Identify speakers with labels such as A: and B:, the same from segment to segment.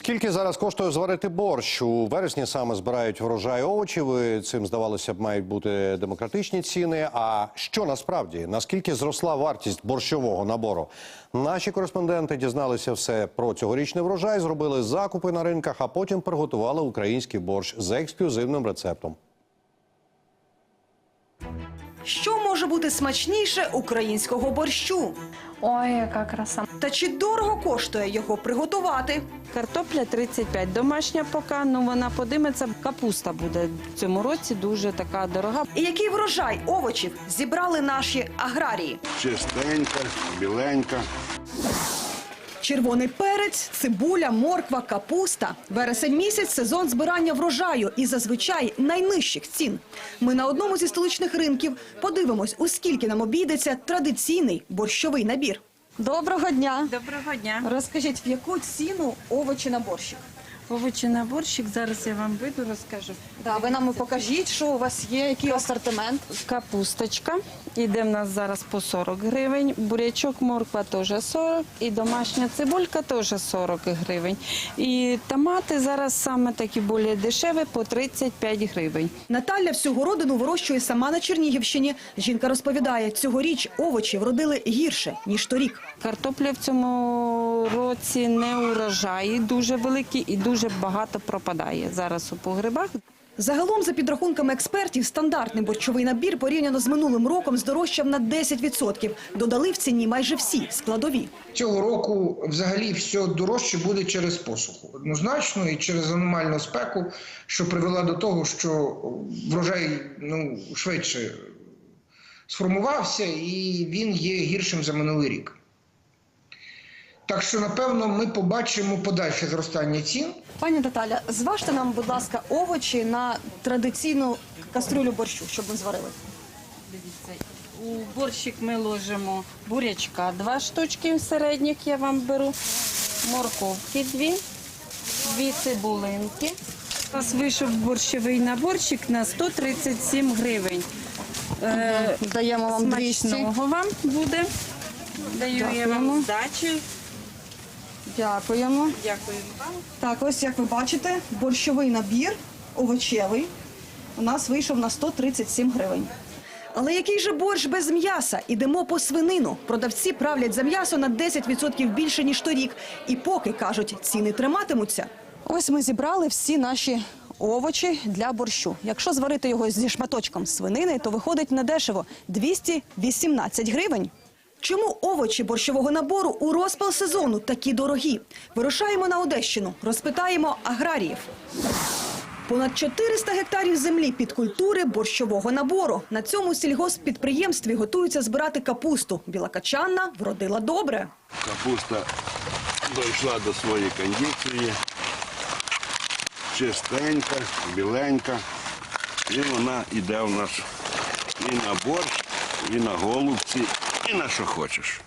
A: Скільки зараз коштує зварити борщ? У вересні саме збирають врожай овочів. І цим, здавалося б, мають бути демократичні ціни. А що насправді? Наскільки зросла вартість борщового набору? Наші кореспонденти дізналися все про цьогорічний врожай, зробили закупи на ринках, а потім приготували український борщ за ексклюзивним рецептом.
B: Що може бути смачніше українського борщу?
C: Ой, яка краса.
B: Та чи дорого коштує його приготувати?
C: Картопля 35, домашня поки, ну вона подиметься. Капуста буде в цьому році дуже така дорога.
B: І який врожай овочів зібрали наші аграрії?
D: Чистенька, біленька.
B: Червоний перець, цибуля, морква, капуста. Вересень місяць – сезон збирання врожаю і зазвичай найнижчих цін. Ми на одному зі столичних ринків подивимось, у скільки нам обійдеться традиційний борщовий набір. Доброго дня!
C: Доброго дня.
B: Розкажіть, в яку ціну овочі на борщик?
C: Овочі на борщик, зараз я вам вийду, розкажу.
B: Да, ви нам покажіть, що у вас є, який асортимент.
C: Капусточка, іде в нас зараз по 40 гривень, бурячок, морква теж 40, і домашня цибулька теж 40 гривень. І томати зараз саме такі більш дешеві, по 35 гривень.
B: Наталя всю городину вирощує сама на Чернігівщині. Жінка розповідає, цьогоріч овочі вродили гірше, ніж торік.
C: Картопля в цьому році не урожаї дуже великі і дуже багато пропадає зараз у погребах.
B: Загалом, за підрахунками експертів, стандартний борщовий набір порівняно з минулим роком здорожчав на 10%. Додали в ціні майже всі складові.
E: Цього року взагалі все дорожче буде через посуху. Однозначно і через аномальну спеку, що привела до того, що врожай швидше сформувався і він є гіршим за минулий рік. Так що, напевно, ми побачимо подальше зростання цін.
B: Пані Наталя, зважте нам, будь ласка, овочі на традиційну каструлю борщу, щоб ми зварили.
C: Дивіться, у борщик ми ложимо бурячка 2 штучки середніх, я вам беру, морковки 2 цибулинки. У нас вийшов борщовий наборчик на 137 гривень.
B: Даємо вам 200.
C: Смачного вам буде. Даю я вам здачу.
B: Дякуємо.
C: Дякую вам.
B: Так, ось як ви бачите, борщовий набір овочевий у нас вийшов на 137 гривень. Але який же борщ без м'яса? Ідемо по свинину. Продавці правлять за м'ясо на 10% більше, ніж торік. І поки, кажуть, ціни триматимуться. Ось ми зібрали всі наші овочі для борщу. Якщо зварити його зі шматочком свинини, то виходить недешево – 218 гривень. Чому овочі борщового набору у розпал сезону такі дорогі? Вирушаємо на Одещину, розпитаємо аграріїв. Понад 400 гектарів землі під культури борщового набору. На цьому сільгосппідприємстві готуються збирати капусту. Білокачанна вродила добре.
D: Капуста дійшла до своєї кондиції. Чистенька, біленька. І вона йде у нас і на борщ, і на голубці, і на що хочеш.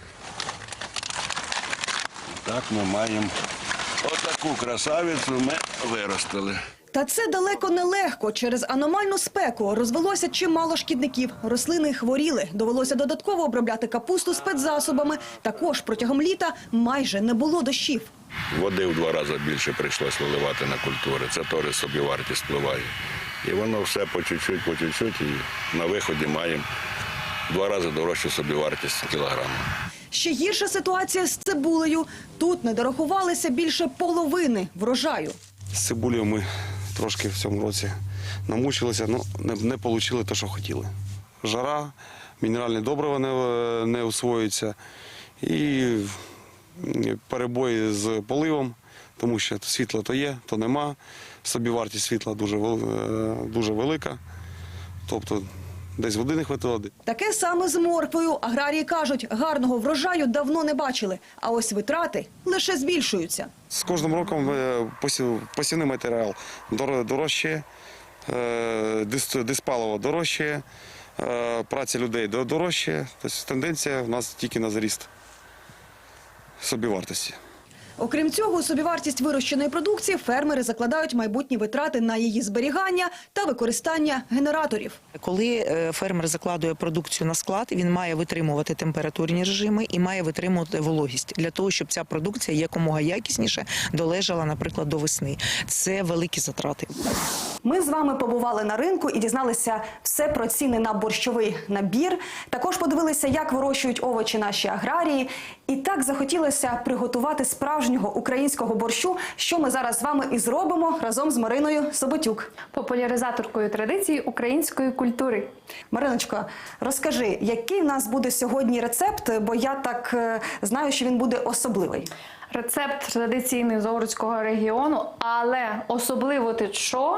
D: Так ми маємо отаку красавицю ми виростили.
B: Та це далеко не легко. Через аномальну спеку розвелося чимало шкідників. Рослини хворіли. Довелося додатково обробляти капусту спецзасобами. Також протягом літа майже не було дощів.
D: Води в 2 рази більше прийшлось виливати на культури. Це теж собівартість впливає. І воно все по чуть-чуть, і на виході маємо 2 рази дорожчу собівартість кілограма.
B: Ще гірша ситуація з цибулею. Тут не дорахувалися більше половини врожаю.
F: З цибулею ми трошки в цьому році намучилися, але не отримали те, що хотіли. Жара, мінеральні добрива не усвоюються і перебої з поливом, тому що світло то є, то нема. Собівартість світла дуже велика, тобто десь води не вистачило.
B: Таке саме з морквою. Аграрії кажуть, гарного врожаю давно не бачили, а ось витрати лише збільшуються.
F: З кожним роком посівний матеріал дорожчає, диспаливо дорожчає, праця людей дорожчає. Тобто тенденція у нас тільки на зріст собівартості.
B: Окрім цього, у собівартість вирощеної продукції фермери закладають майбутні витрати на її зберігання та використання генераторів.
G: Коли фермер закладує продукцію на склад, він має витримувати температурні режими і має витримувати вологість для того, щоб ця продукція якомога якісніше долежала, наприклад, до весни. Це великі затрати.
B: Ми з вами побували на ринку і дізналися все про ціни на борщовий набір. Також подивилися, як вирощують овочі наші аграрії. І так захотілося приготувати справжнього українського борщу, що ми зараз з вами і зробимо разом з Мариною Соботюк.
H: Популяризаторкою традицій української культури.
B: Мариночко, розкажи, який в нас буде сьогодні рецепт, бо я так знаю, що він буде особливий.
H: Рецепт традиційний з Овруцького регіону, але особливо ти що?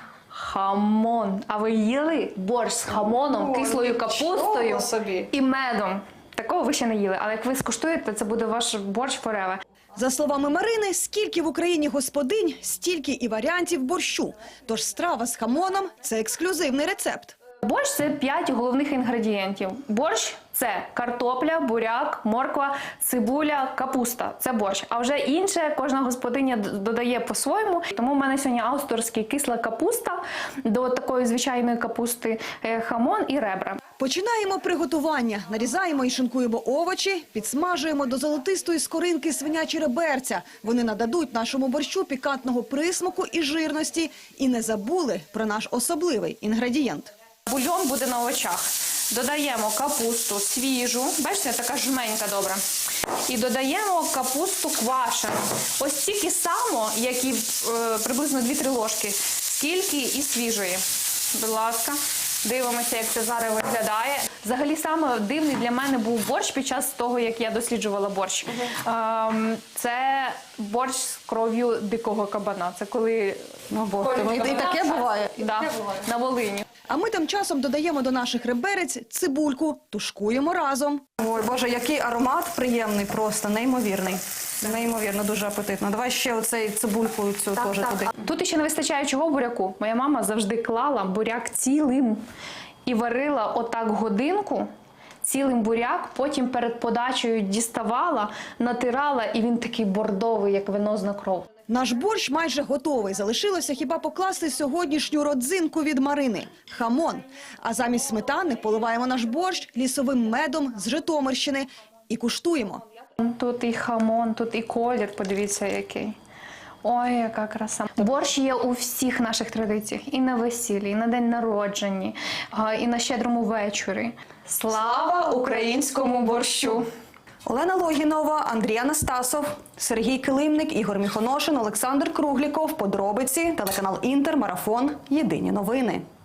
H: Хамон. А ви їли борщ з хамоном, кислою капустою і медом? Такого ви ще не їли, але як ви скуштуєте, це буде ваш борщ forever.
B: За словами Марини, скільки в Україні господинь, стільки і варіантів борщу. Тож страва з хамоном – це ексклюзивний рецепт.
H: Борщ – це 5 головних інгредієнтів. Борщ – це картопля, буряк, морква, цибуля, капуста. Це борщ. А вже інше кожна господиня додає по-своєму. Тому в мене сьогодні авторський кисла капуста, до такої звичайної капусти хамон і ребра.
B: Починаємо приготування. Нарізаємо і шинкуємо овочі, підсмажуємо до золотистої скоринки свинячі реберця. Вони нададуть нашому борщу пікантного присмаку і жирності. І не забули про наш особливий інгредієнт.
H: Бульйон буде на очах. Додаємо капусту свіжу, бачите, така жменька добра. І додаємо капусту квашену. Ось стільки само, як і приблизно 2-3 ложки, скільки і свіжої. Будь ласка, дивимося, як це зараз виглядає. Взагалі, саме дивний для мене був борщ під час того, як я досліджувала борщ. Це борщ з кров'ю дикого кабана. Це коли...
B: І таке буває?
H: Да, на Волині.
B: А ми тим часом додаємо до наших реберець цибульку, тушкуємо разом. Ой, Боже, який аромат приємний просто, неймовірний. Неймовірно, дуже апетитно. Давай ще оцей цибульку цю теж туди.
H: Тут ще не вистачає чого буряку. Моя мама завжди клала буряк цілим і варила отак годинку, цілим буряк, потім перед подачею діставала, натирала, і він такий бордовий, як венозна кров.
B: Наш борщ майже готовий. Залишилося хіба покласти сьогоднішню родзинку від Марини – хамон. А замість сметани поливаємо наш борщ лісовим медом з Житомирщини і куштуємо.
H: Тут і хамон, тут і колір, подивіться який. Ой, яка краса. Борщ є у всіх наших традиціях. І на весіллі, і на день народження, і на щедрому вечорі. Слава українському борщу!
B: Олена Логінова, Андрій Анастасов, Сергій Килимник, Ігор Міхоношин, Олександр Кругліков. Подробиці, телеканал Інтер, Марафон. Єдині новини.